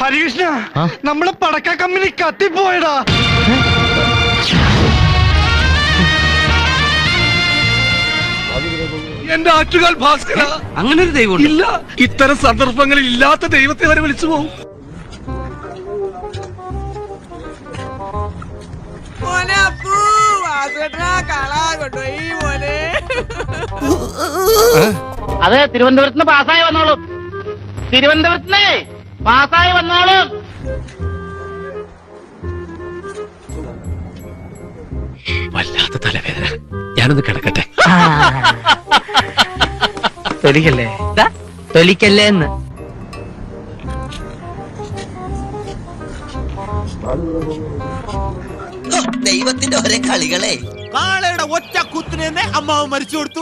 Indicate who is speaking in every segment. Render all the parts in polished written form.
Speaker 1: ഹരികൃഷ്ണ, നമ്മളെ പടക്ക കമ്പനി കത്തിപ്പോയടാ.
Speaker 2: എന്റെ ആറ്റുകാൽ ഭാസ്കര,
Speaker 3: അങ്ങനെ ഒരു ദൈവം
Speaker 2: ഇല്ല. ഇത്തരം സന്ദർഭങ്ങളിൽ ഇല്ലാത്ത ദൈവത്തെ വരെ വിളിച്ചു പോകും.
Speaker 3: അതെ, തിരുവനന്തപുരത്ത് പാസ്സായി വന്നോളും. തിരുവനന്തപുരത്ത് പാസ്സായി വന്നോളും.
Speaker 2: വല്ലാത്ത തലവേദന, ഞാനൊന്ന് കിടക്കട്ടെ.
Speaker 4: തൊലിക്കല്ലേ തൊലിക്കല്ലേ എന്ന്.
Speaker 5: ദൈവത്തിന്റെ ഒരേ കളികളെ.
Speaker 6: കാളയുടെ ഒറ്റ കുത്തിന് തന്നെ അമ്മാവ് മരിച്ചു കൊടുത്തു.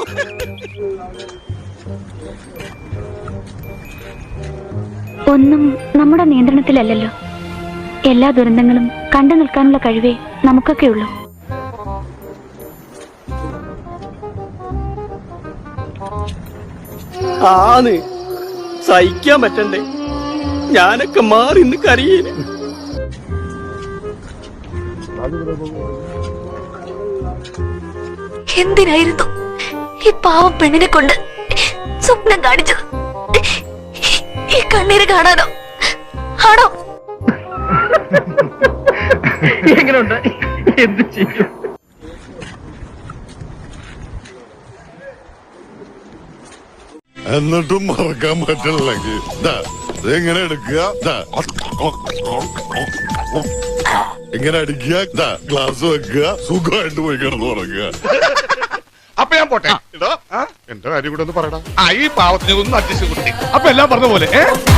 Speaker 7: ഒന്നും നമ്മുടെ നിയന്ത്രണത്തിലല്ലല്ലോ. എല്ലാ ദുരന്തങ്ങളും കണ്ടു നിൽക്കാനുള്ള കഴിവേ നമുക്കൊക്കെ ഉള്ളൂ.
Speaker 8: ആന്ന് സഹിക്കാൻ പറ്റണ്ടേ? ഞാനൊക്കെ മാറി ഇന്ന് കരയേന്.
Speaker 9: എന്തിനായിരുന്നു ഈ പാവം പെണ്ണിനെ കൊണ്ട് സ്വപ്നം കാണിച്ചത്? ഈ കണ്ണീര് കാണാനോ ആണോ?
Speaker 4: എങ്ങനെയുണ്ട്? എന്ത് ചെയ്യും?
Speaker 10: എന്നിട്ടും മറക്കാൻ പറ്റില്ലെങ്കിൽ ഇങ്ങനെ എടുക്കുക, ഇങ്ങനെ അടിക്കുക, ഗ്ലാസ് വെക്കുക, സുഖമായിട്ട് പോയി കിടന്നു തുടങ്ങുക.
Speaker 2: അപ്പൊ ഞാൻ പോട്ടെ. എന്റെ കാര്യം കൂടെ ഒന്ന് പറയടാ. ഈ പാവത്തിന് ഒന്ന് അഡ്ജസ്റ്റ് കൊടുത്തി. അപ്പൊ എല്ലാം പറഞ്ഞ പോലെ